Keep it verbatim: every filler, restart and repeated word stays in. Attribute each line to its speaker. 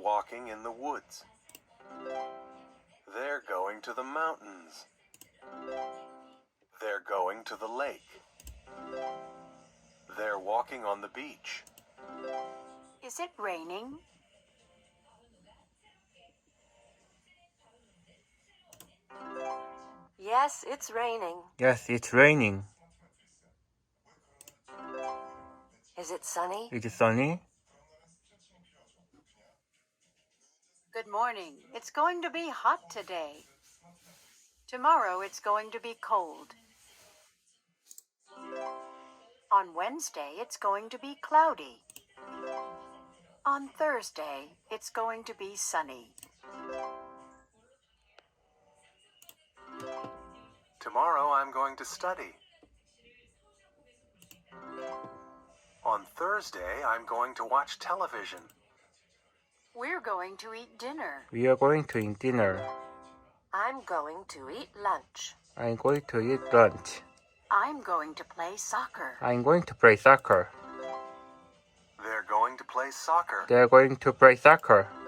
Speaker 1: walking in the woods. They're going to the mountains. They're going to the lake. They're walking on the beach.
Speaker 2: Is it raining?
Speaker 3: Yes, it's raining.
Speaker 4: Yes, it's raining.
Speaker 3: Is it sunny?
Speaker 4: Is it sunny?
Speaker 2: Good morning. It's going to be hot today. Tomorrow it's going to be cold. On Wednesday it's going to be cloudy. On Thursday it's going to be sunny.
Speaker 1: Tomorrow I'm going to study. On Thursday I'm going to watch television.
Speaker 2: We're going to eat dinner.
Speaker 4: We are going to eat dinner.
Speaker 3: I'm going to eat lunch.
Speaker 4: I'm going to eat lunch.
Speaker 2: I'm going to play soccer.
Speaker 4: I'm going to play soccer.
Speaker 1: They're going to play soccer.
Speaker 4: They're going to play soccer.